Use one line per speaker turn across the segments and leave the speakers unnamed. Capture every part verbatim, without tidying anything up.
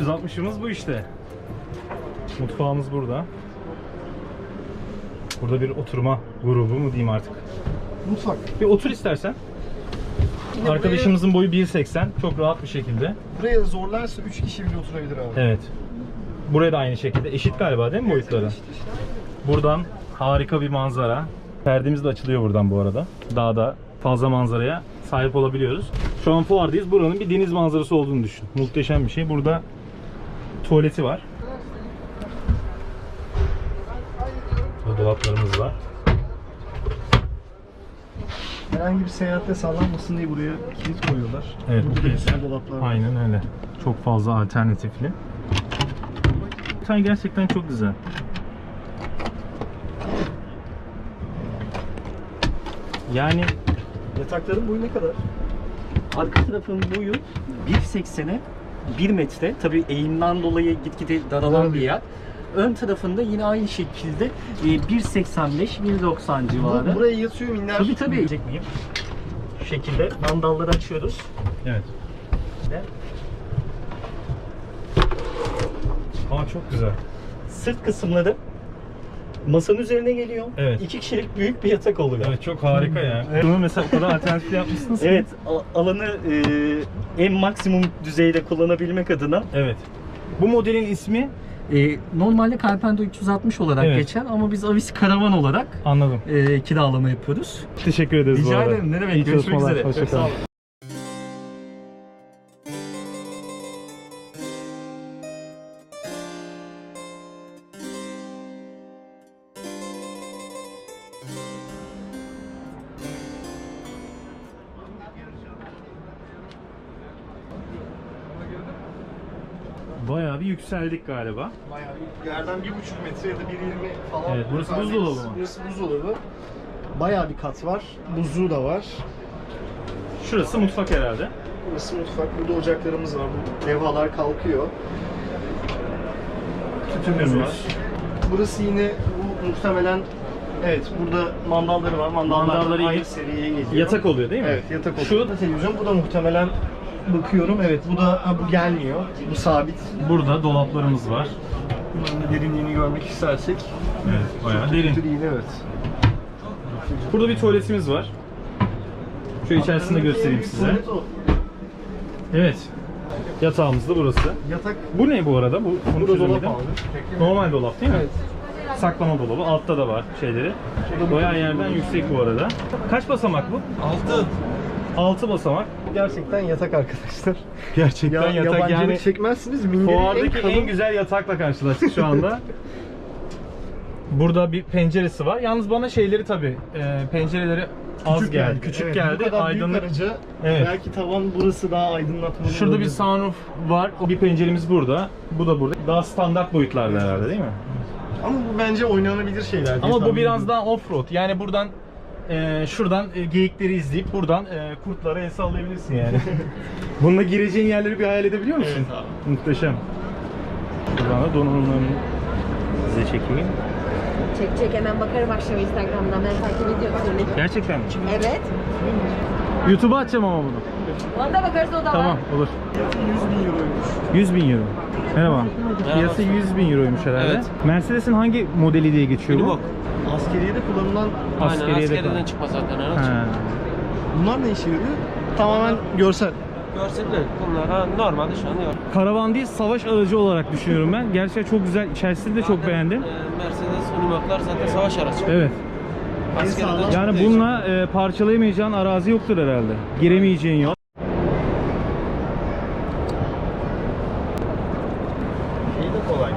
yüz altmışımız bu işte. Mutfağımız burada. Burada bir oturma grubu mu diyeyim artık.
Mutfak.
Bir otur istersen.
Yine
Arkadaşımızın boyu bir seksen. Çok rahat bir şekilde.
Buraya zorlarsa üç kişi bile oturabilir abi.
Evet. Buraya da aynı şekilde. Eşit galiba değil mi boyutları? Buradan harika bir manzara. Perdemiz de açılıyor buradan bu arada. Daha da fazla manzaraya sahip olabiliyoruz. Şu an fuardayız. Buranın bir deniz manzarası olduğunu düşün. Muhteşem bir şey. Burada tuvaleti var. Burada dolaplarımız var.
Herhangi bir seyahatte sallanmasın diye buraya kilit koyuyorlar.
Evet,
Burada
bu
bir
kilitler.
sürü dolaplar var.
Aynen öyle. Çok fazla alternatifli. Detay gerçekten çok güzel. Yani
Yatakların boyu ne kadar?
Arka tarafın boyu bir seksene bir metre. Tabii eğimden dolayı gitgide daralan bir yer. Ön tarafında yine aynı şekilde bir seksen beş bir doksan civarı.
Bu, buraya yatıyor minler.
Tabii tabii. Diyecek miyim? Şu şekilde mandalları açıyoruz.
evet.
İşte
Ama çok güzel.
sırt kısımları masanın üzerine geliyor.
Evet.
İki kişilik büyük bir yatak oluyor.
Evet, çok harika ya. Bunu mesela o kadar alternatifli yapmışsınız ki.
Evet, al- alanı e, en maksimum düzeyde kullanabilmek adına.
Evet. Bu modelin ismi
E, normalde Carpento üç yüz altmış olarak
Evet.
geçer ama biz Avis Karavan olarak
anladım.
e, kiralama yapıyoruz.
Teşekkür ederiz bu
Rica
arada.
ederim, ne demek.
İyi
Görüşmek
çalışmalar.
üzere.
Hoşça
Çok sağ
kalın.
olun.
Bayağı bir yükseldik galiba.
Bayağı bir yerden bir buçuk metre ya da bir yirmi falan.
Evet, burası
Yukarıdayız.
buzdolabı mı?
Burası buzdolabı. Bayağı bir kat var. Buzluğu da var.
Şurası mutfak herhalde.
Burası mutfak. Burada ocaklarımız var. Bu levhalar kalkıyor. Tütünümüz var. Burası yine bu muhtemelen, evet, burada mandalları var. Mandallar
Mandalları
aynı
iyi.
seriye geliyor.
Yatak oluyor değil mi?
Evet, yatak oluyor.
Şu
da televizyon. Bu da muhtemelen, bakıyorum, evet, bu da ha, bu gelmiyor. Bu sabit.
burada dolaplarımız var.
Bunun da derinliğini görmek istersek.
Evet, bayağı derin.
Değil, evet.
Burada bir tuvaletimiz var. Şu içerisinde göstereyim size.
Tuvalet o.
Evet. Yatağımız da burası.
Yatak.
Bu ne bu arada? Bu bunu
Bu da dolap
çözemedim.
abi.
Normal dolap değil mi?
Evet.
Saklama dolabı. Altta da var şeyleri. Bayağı yerden yüksek bu arada. Kaç basamak bu?
Altı.
altı basamak.
Gerçekten yatak arkadaşlar.
Gerçekten
Ya,
yatak
yabancılık
yani.
çekmezsiniz. Minderin en
Fuardaki
kalın.
en güzel yatakla karşılaştık şu anda. Burada bir penceresi var. Yalnız bana şeyleri tabii, e, pencereleri az geldi. Küçük
Evet,
geldi.
Bu kadar
Aydınlık.
büyük araca
Evet.
belki tavan burası daha aydınlatmalı.
Şurada bir
olabilir.
sunroof var. O bir penceremiz burada. Bu da burada. Daha standart boyutlarda herhalde değil mi?
Ama bu bence oynanabilir şeyler diye
Ama bu
tahmin
biraz
ediyorum.
daha off-road. Yani buradan e, şuradan e, geyikleri izleyip buradan e, kurtlara el sallayabilirsin yani. Bununla gireceğin yerleri bir hayal edebiliyor musun?
Evet abi.
Muhteşem. Buradan da donanımlarını size çekeyim.
Çek çek hemen bakarım akşam Instagram'dan, ben takip ediyorum seni.
Gerçekten mi?
Evet.
YouTube'a atacağım ama bunu.
Ona da bakarız, o da
Tamam,
var.
olur.
yüz bin euroymuş.
yüz bin euro. Merhaba. Fiyatı yüz bin euroymuş herhalde.
Evet.
Mercedes'in hangi modeli diye geçiyor bu?
Unibok.
Askeriyede kullanılan
Aynen
Askeriyede
askeriden
falan.
çıkma zaten araç.
Ha.
bunlar ne işe yarıyor? Tamamen görsel.
Görseller bunlar ha, normalde şu an yok.
Karavan değil, savaş aracı olarak düşünüyorum ben. Gerçekten çok güzel. İçerisini de çok
Zaten,
beğendim.
e, Mercedes Unibok'lar zaten savaş aracı.
Evet.
Askeriden
sağlam.
çıktığı
Yani
için.
bununla e, parçalayamayacağın arazi yoktur herhalde. Giremeyeceğin yol.
Şey de kolay.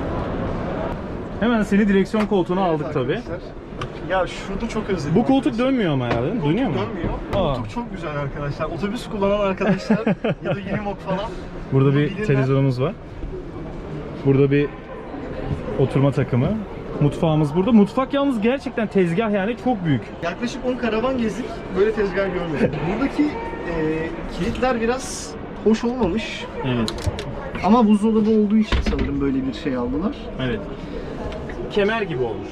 Hemen seni direksiyon koltuğuna aldık
Evet
tabi.
arkadaşlar. Ya şurada çok özledim.
Bu koltuk
arkadaşlar.
dönmüyor ama herhalde değil mi?
Koltuk
Dönüyor mu?
dönmüyor.
Aa.
Koltuk çok güzel arkadaşlar. Otobüs kullanan arkadaşlar ya da Unimog falan.
Burada
bunu
bir
bilirler.
televizyonumuz var. Burada bir oturma takımı. Mutfağımız burada. Mutfak yalnız gerçekten tezgah, yani çok büyük.
Yaklaşık on karavan gezdik. Böyle tezgah görmedim. Buradaki e, kilitler biraz hoş olmamış.
Evet.
Ama buzdolabı olduğu için sanırım böyle bir şey aldılar.
Evet. Kemer gibi olmuş.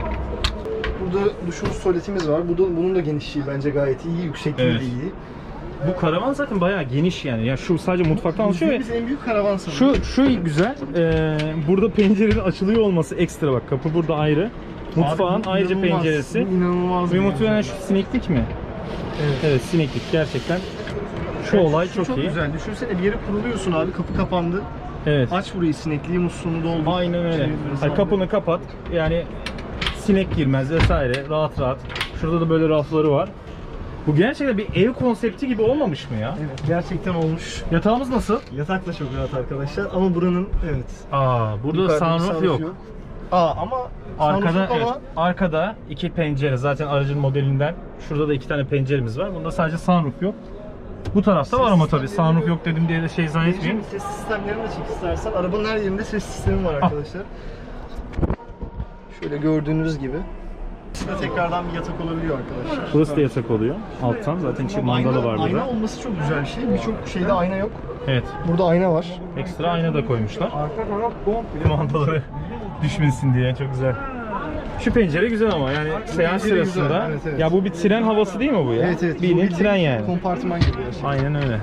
Burada duşumuz, tuvaletimiz var. Bu da, bunun da genişliği bence gayet iyi. Yüksekliği
Evet.
de iyi.
Bu karavan zaten bayağı geniş yani. Ya şu sadece mutfaktan oluşuyor ve
Biz en büyük karavan sanırım.
şu şu güzel. Ee, burada pencerenin açılıyor olması ekstra bak. Kapı burada ayrı. Mutfağın
Abi,
ayrıca
inanılmaz,
penceresi.
İnanılmaz.
Ve
bir
muhtemelen
manzara.
şu sineklik mi?
Evet.
Evet, sineklik gerçekten. Şu
Evet,
olay
şu
çok, iyi.
güzel. Düşünsene bir yere kuruluyorsun abi, kapı kapandı.
Evet.
Aç burayı, sinekliği musluğunu doldur.
Aynen öyle.
Şey,
Hani kapını kapat. Yani sinek girmez vesaire. Rahat rahat. Şurada da böyle rafları var. Bu gerçekten bir ev konsepti gibi olmamış mı ya?
Evet, gerçekten olmuş.
Yatağımız nasıl?
Yatak da çok rahat arkadaşlar ama buranın evet.
Aa, burada
yukarıda bir
sunroof yok.
Aa ama
Arkada
sunroof yok
evet,
ama
arkada iki pencere zaten aracın modelinden. Şurada da iki tane penceremiz var. Bunda sadece sunroof yok. Bu tarafta var ama tabii sunroof yok dedim diye de şey zannetmeyin.
ses sistemlerini de çek istersen. Arabanın her yerinde ses sistemi var arkadaşlar. Şöyle gördüğünüz gibi. Burada tekrardan bir yatak olabiliyor arkadaşlar.
Burası da yatak oluyor. Alttan zaten içi mandalı var
Ayna
burada.
olması çok güzel bir şey. Birçok şeyde ayna yok.
Evet.
Burada ayna var.
Ekstra ayna da koymuşlar. Mandaları düşmesin diye çok güzel. Şu pencere güzel ama yani seyahat
pencere güzel,
sırasında
evet, evet.
ya bu bir tren havası değil mi bu ya?
Evet evet.
Bildiğin
Bu
tren yani.
Kompartıman gibi gerçekten.
Aynen öyle.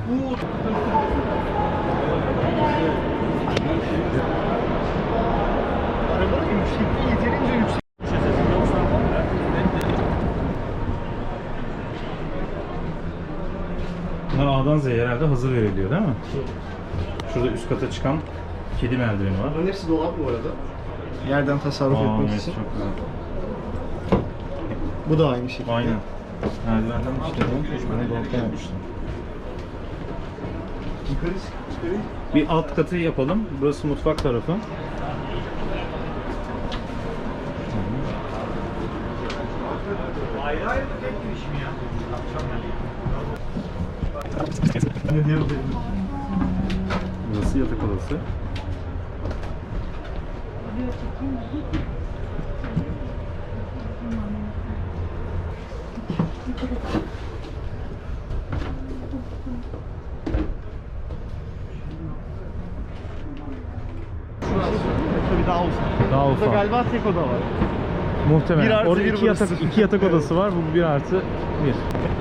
Arabanın yüksekliği yeterince yüksek.
Bunlar A'dan Z'ye herhalde hazır veriliyor değil mi? Şurada üst kata çıkan kedi merdiveni var.
Bunların hepsi dolap bu arada. Yerden tasarruf
Aa,
etmek
evet,
için.
çok güzel.
Bu da aynı şekilde.
Aynen. Merdivenden işte üç tane dolaptan yapmışlar.
Yukarı çıkıyor.
Bir alt katı yapalım. Burası mutfak tarafı.
Ne diyor benim?
Burası yatak odası.
Tabii daha uzun.
Daha
Burada
ufak.
galiba tek oda var.
Muhtemelen.
Bir artı
Orada
bir
iki yatak,
burası.
iki yatak odası var. Bu bir artı bir.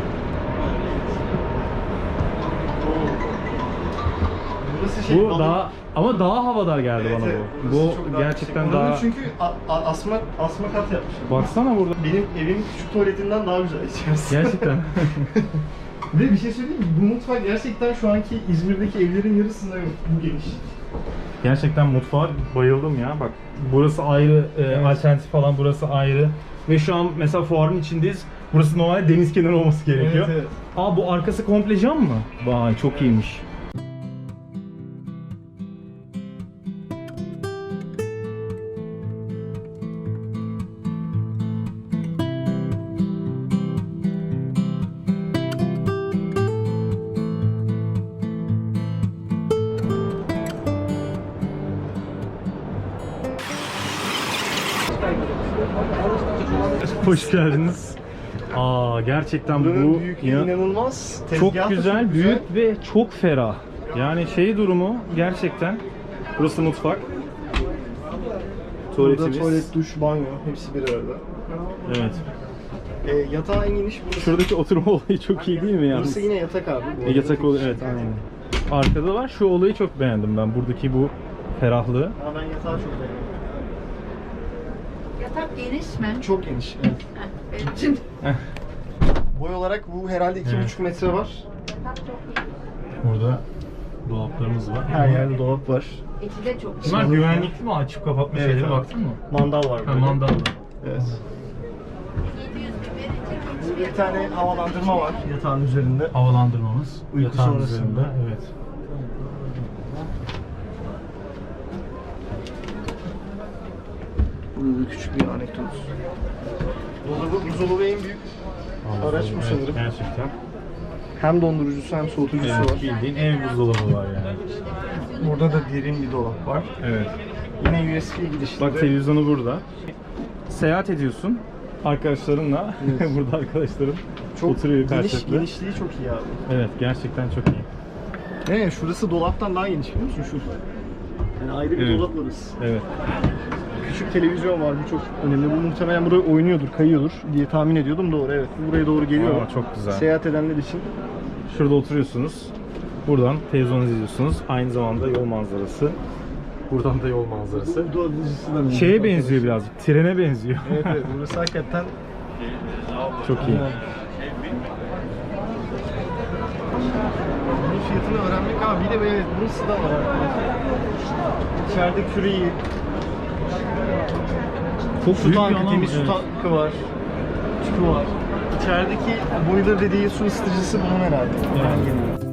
Burası şey,
Bu
balon-
daha ama daha havadar geldi
Evet,
bana
evet,
bu.
burası
Bu
çok daha
gerçekten
yüksek. Buranın
daha.
çünkü a- a- asma asma kat yapmışlar.
Baksana burada.
Benim evimin küçük tuvaletinden daha güzel içerisi.
Gerçekten.
Ve bir şey söyleyeyim mi? Bu mutfak gerçekten şu anki İzmir'deki evlerin yarısında yok. Bu geniş.
Gerçekten mutfağa bayıldım ya. Bak burası ayrı, e, alternatif falan burası ayrı. Ve şu an mesela fuarın içindeyiz. Burası normalde deniz kenarı olması gerekiyor.
Evet, evet.
Aa bu arkası komple cam mı? Vay çok iyiymiş. Hoş geldiniz. Aa gerçekten
Buranın
bu
büyüklüğü
ya-
inanılmaz.
çok
Tezgahı da
güzel,
çok
büyük ve çok ferah. Yani şey durumu gerçekten. Burası mutfak.
Burada
Tuvaletimiz.
tuvalet, duş, banyo hepsi bir arada.
Evet.
E, yatağı en geniş burası.
Şuradaki oturma olayı çok iyi değil mi yani?
Burası yine yatak abi. Bu
E,
arada.
yatak oluyor evet aynen. Arkada var. Şu olayı çok beğendim ben. Buradaki bu ferahlığı.
Ama ben yatağı çok beğendim.
Yatak geniş mi?
Çok geniş. Evet.
Heh, benim için.
Boy olarak bu herhalde iki
Evet.
buçuk metre var.
Yatak çok iyi.
Burada dolaplarımız var.
Her yerde dolap var.
İçi de çok iyi.
Bunlar güvenlikli mi? Açıp kapatma
Evet,
şeyleri
evet.
baktın mı?
Mandal var
Ha,
böyle.
mandal.
Evet.
yedi yüz bin verecek hiçbir
Bir tane havalandırma var yatağın üzerinde.
Havalandırmamız.
Uyku
yatağın
sonrasında.
üzerinde, evet.
Burada da küçük bir anekdot. Dolabı, buzdolabı en büyük araç bu
Evet,
sanırım.
Gerçekten.
Hem dondurucusu hem soğutucusu
Evet,
var.
bildiğin ev buzdolabı var yani.
Burada da derin bir dolap var.
Evet.
Yine U S B girişli.
Bak televizyonu burada. Seyahat ediyorsun arkadaşlarınla.
Evet.
Burada arkadaşların
çok
oturuyor
geniş,
karşılıklı.
genişliği çok iyi abi.
Evet gerçekten çok iyi.
Ne şurası dolaptan daha geniş biliyor musun şu? Yani ayrı bir
Evet.
dolap orası.
Evet.
Küçük televizyon var, bu çok önemli. Bu muhtemelen buraya oynuyordur, kayıyordur diye tahmin ediyordum. Doğru, evet. Bu buraya doğru geliyor.
Aa, çok güzel.
Seyahat edenler için
Şurada oturuyorsunuz. Buradan televizyon izliyorsunuz. Aynı zamanda yol manzarası. Buradan da yol manzarası. Şeye benziyor birazcık. Trene benziyor.
Evet evet, burası hakikaten
Çok iyi.
bunun fiyatını öğrenmek abi. Bir de evet, burası da var. İçeride küreği,
Çok
su
büyük bir
tankı,
alan.
temiz su
Evet.
tankı var. Tüpü var. İçerideki boiler dediği su ısıtıcısı bunun herhalde.
Yani.
Ben geliyorum.